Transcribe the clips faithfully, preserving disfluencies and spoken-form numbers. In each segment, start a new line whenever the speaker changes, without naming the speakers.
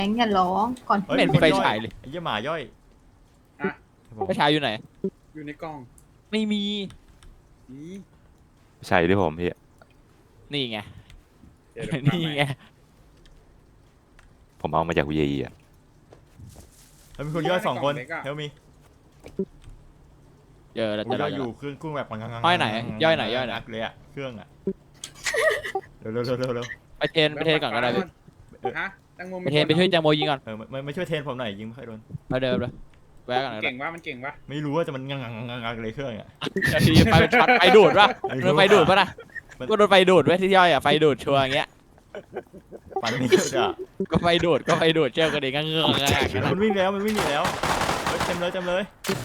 งอย่าร้องก่อน
เฮ้ย
ไม่เห็น
มีค
ไฟ
ย่อย
ฉายเลย
ไอ้เหี้ยหมาย่อย
อ่ะ
ไฟฉายอยู่ไหน
อยู่ในกล่อง
ไม่มี
นี่
ใช่ที่ผมพี่
นี่ไง
เดี๋ยวเดี๋ยว
นี่ไง
ผมเอามาจากวีไออ่ะ
เฮ้ยมีคนย่อยสองคนเฮลมี
เจอแล้ว
กู
เจอย่
อย
แล้ว
อยู่เครื่องกุ้งแบบ
ย่อยไหนย่อยไหนย่อยไหน
เลยอะเครื่องอะเร็วเร็วเร็วเร็วเร็ว
ไปเทรนไปเทรนก่อนก็ได้พี่
ฮะแตงโม
ไปเทรนไปช่วยแจงโมยิงก่อน
เออไม่ไม่ช่วยเทรนผมหน่อยยิงไม่ค่อยโดน
ไปเดิมเลยแวะก่อนก็ได้
เก่งวะมันเก่งวะ
ไม่รู้ว่าจะมันงังงังงังงังเลยเครื่องอะ
ทีไฟช็อตไฟดูดป่ะ
ไม่รู้
โดนไฟดูดป่ะนะ
มัน
ก็โดนไฟดูดไว้ที่ย่อยอ่ะไฟดูดชัวร์อย่างเงี้ย
ปันนี่เยอะจ้ะ
ก็ไฟดูดก็ไฟดูดเจ้ากันเองก็เงือกง่ายๆ
มันวิ่งแล้วมันวิ่งหนีแล้วเฮ้ยเต็มเลยเต็มเลย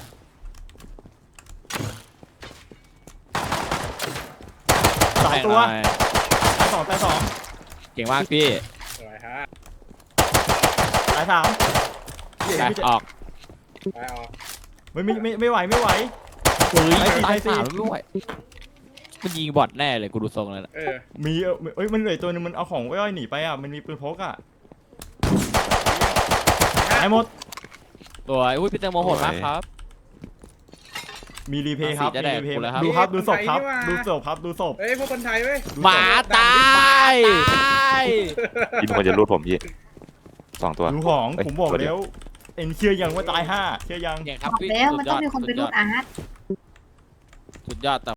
สองตัวตายสองตายสอง
เก่งมากพี่
สวยฮะ
ตายสาม
ไปออก
ไปออก
ไม่ไม่ไม่ไม่ไหวไม่ไหว
เฮ้ย
ไปสิ
ตาย
ไปสิ
สามไม่ไหวมันยิงบอทแน่เลยกูดูทรงเลยนะ
เออ
มีเออเอ้ยมันเหลือตัวนึงมันเอาของย่อยหนีไปอ่ะมันมีปืนพกอ่ะตายหมด
ตัวอุ้ยพี่แตงโมโหดมากครับ
มีรีเพย์ครับ
จะ
มี
แดก
รีเพย์
กูแล้วครับ
ดูครับดูศพครับดูศพครับดูศพ
เฮ้ยพวกคนไทยเว้ย
ดูศพ
หมาตายตาย
พี่มันจะรูดผมพี่สองตัว
ดูของ
เอ้ย
ผมบอก
ตัวเดี
แล้
ยว
วเอ็นเชื่อยังว่าตายห้าเชื่อยัง
เก่งครับ
บอก
พี่
แล้วมัน
สุดย
ต้องมีคนไปรูดอาร์ต
สุดยอดแต่